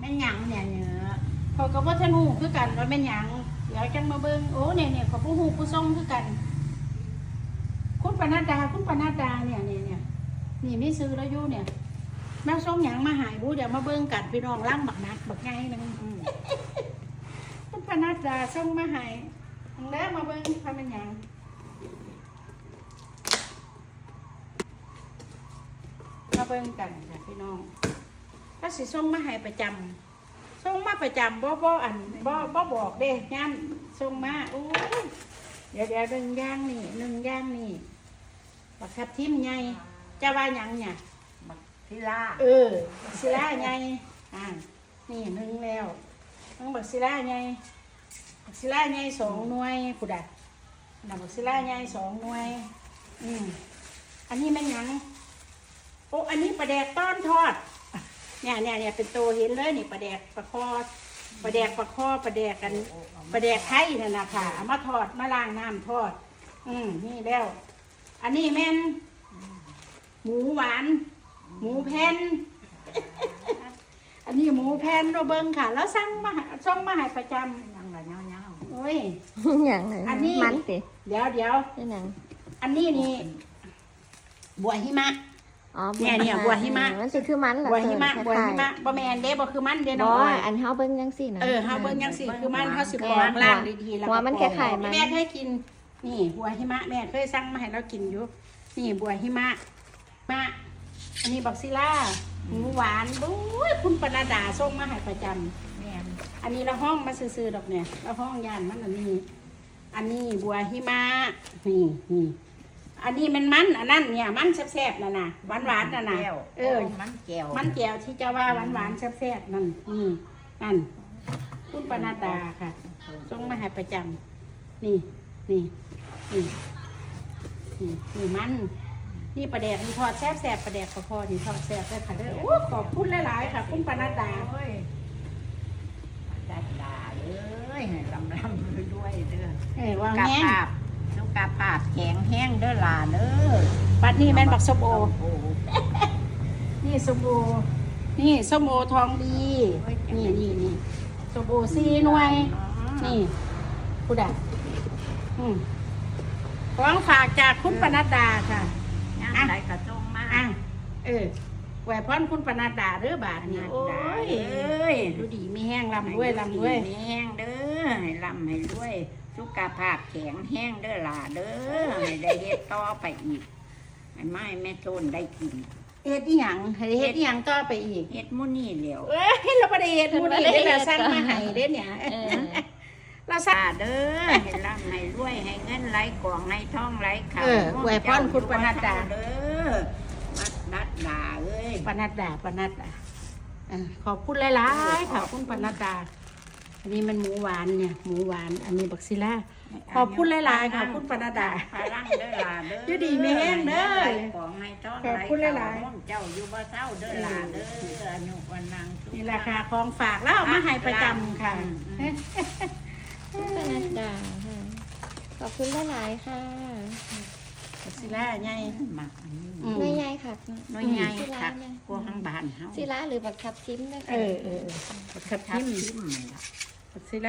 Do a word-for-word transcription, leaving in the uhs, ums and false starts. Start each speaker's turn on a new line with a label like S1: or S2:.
S1: ม่นหยังเนี่ยเนื้อ
S2: เขาก็บ่ทันฮู้คือกันว่าแม่นหยังเดี๋ยวจังมาเบิ่งโอ้เนี่ยเนี่ยเขาผู้ฮู้ผู้ทรงคือกัน คุณปนัดดาคุณปนัดดาเนี่ยเนี่ยเนี่ยนี่มีซื้อแล้วอยู่เนี่ยแม่ส่งหยังมาหายบูเดี๋ยวมาเบิ่งกันพี่น้องล่างบักนักบักไงนึงคุณปนัดดาส่งมาหายแล้วมาเบิ่งทำเป็นหยังมาเบิ่งกันค่ะพี่น้องถ้าสิส่งมาหายประจำส่งมาประจำบ่บ่อันบ่บ่บอกเด้ย่านส่งมาโอ้ยเดี๋ยวเดี๋ยวหนึ่งย่างนี่หนึ่งย่างนี่บักทับทิมไงจะว่าหยังเนี่ย
S1: บักทิลา
S2: เออบักศิลาไงอ่านี่หนึ่งแล้วต้องบักศิลาไงบักศิลาไงสองหน่วยผู้ใดน่ะบักศิลาไงสองหน่วยอืมอันนี้แม่นหยังโอ้อันนี้ปลาแดกต้อนทอดเนี่ยเนี่ยเนี่ยเป็นตัวเห็นเลยนี่ปลาแดกปลาคอปลาแดกปลาคอปลาแดกกันปลาแดกไทยนั่นนะค่ะเอามาทอดมาล้างน้ำทอด อืมนี่แล้ว อันนี้แม่นหมูหวาน หมูแผ่น อันนี้หมูแผ่นโรเบิงค่ะ แล้วสั่งมาส่งมาให้ประจำ
S1: ยังละเงาเงา
S2: โอ้ย
S3: อย่างไร
S2: อันนี้
S3: มันสิ
S2: เดี๋ยวเดี๋ยว
S3: นี่หนัง
S2: อันนี้นี่บัวหิมะ
S3: อ๋อ
S2: เนี่ยเนี่ยบัวหิมะ
S3: มันสิคือมันเหรอ
S2: บัวหิมะ
S3: คล้ายๆ
S2: บัวหิมะบ่แมนเด้บ่คือมันเด้
S3: บ่
S2: น้องอ้อย
S3: อันเฮาเบิ่งจังซี่นะ
S2: เออเฮาเบิ่งจังซี่คือมันเฮาสิปอกล่างดีๆแล้ว
S3: หัวมัน
S2: ก็ปอก
S3: คล้ายๆมัน
S2: แม่เคยกิน นี่บัวหิมะแม่เคยสั่งมาให้เรากินอยู่ นี่บัวหิมะมะอันนี้บักซิล่าหมูหวานบุ้ยคุณปนาดาส่งมาให้ประจำ
S1: แม่น
S2: อันนี้เราห้องมาซื้อๆดอกเนี่ยเราห้องยานมันอันนี้ อันนี้บัวหิมะนี่นี่อันนี้มันมันอันนั้นเนี่ยมันแซ่บๆนั่นน่ะหวานหวานๆนั่นน่ะ
S1: แก้ว
S2: เออ
S1: มันแก้ว
S2: มันแก้วที่เจ้าว่าหวานหวานๆแซ่บๆนั่นนี่นั่นคุณปนาดาค่ะส่งมาให้ประจำนี่นี่นี่นี่นี่มันนี่ประเดกนี่ทอดแซ่บแซ่บประเดกประคอนี่ทอดแซ่บได้ค่ะเด้อโอ้ขอบคุณหลายๆค่ะ คุณปนาดา
S1: โอ้ยดัดดาเลยให้ลำลำด้วยเด้อ
S2: เออวาง
S1: กา
S2: แห้ง
S1: ภาพสุกาภาพแข็งแห้งเด้อหลาเด้อ
S2: ปัดนี่แม่นบักส้มโอ
S1: โอ้
S2: นี่ส้มโอ นี่ส้มโอทองดี นี่นี่นี่ส้มโอสี่หน่วย นี่ผู้ใดอืมของฝากจากคุณปนัดดาค่ะ
S1: ย่างไรกระจงมา
S2: อ่ะ เออแหวพรคุณปนัดดาเด้อบาทนี่โอ้ย
S1: เอ้ย
S2: ดูดีมีแห้งลำด้วยลำด้วย
S1: ให้แห้งเด้อให้ลำให้ด้วยสุขภาพแข็งแห้งเด้อหล่าเด้อให้ได้เฮ็ดต่อไปอีกให้ไม้แม่โทนได้กิน
S2: เฮ็ดอีหยังให้เฮ็ดอีหยังต่อไปอีก
S1: เฮ็ดมื้อนี้แล้ว
S2: เอ้ยเราประเดี๋ยวมูนี่ได้เราสร้างมาให้เด้เนี่ย
S3: เออ
S2: เราสร้าง
S1: ตาเด้อให้ลำให้รวยให้เงินไหลกล่องให้ทองไหลเข้า
S2: เอออวยพรคุณปนัดดา
S1: เด้อมัดดัดดาเอ้ย
S2: ปนัดดาปนัดดาเออขอบคุณหลายๆค่ะคุณปนัดดา อันนี้มันหมูหวานเนี่ยหมูหวาน อันนี้บักซิล่า ขอบคุณหลายๆค่ะคุณปนัดดา
S1: พลังเด้อหล่าเด้อ
S2: อยู่ดีมีแห้งเด้อ
S1: ให้ของให้ทอง
S2: ขอบคุณหลายๆ
S1: ๆเจ้าอยู่บ่เศร้าเด้อหล่าเด้ออนุวันนังสุข
S2: นี่ราคาของฝากแล้วเอามาให้ประจำค่ะ
S3: คุณปนัดดาค่ะขอบคุณหลายๆค่ะ
S2: บักซิล่าไง
S1: หมักอันนี้
S2: อืม
S3: หน่วยใหญ่ค่ะ
S1: น้อยใหญ่คักกว่าข้างบ้านเฮา
S3: ศิลาหรือบักทับทิมนะคะ
S2: เออเออเออบักทับ
S1: ทับ
S2: ทิม
S1: ทิมนี่ล่ะ
S2: บักซิล่า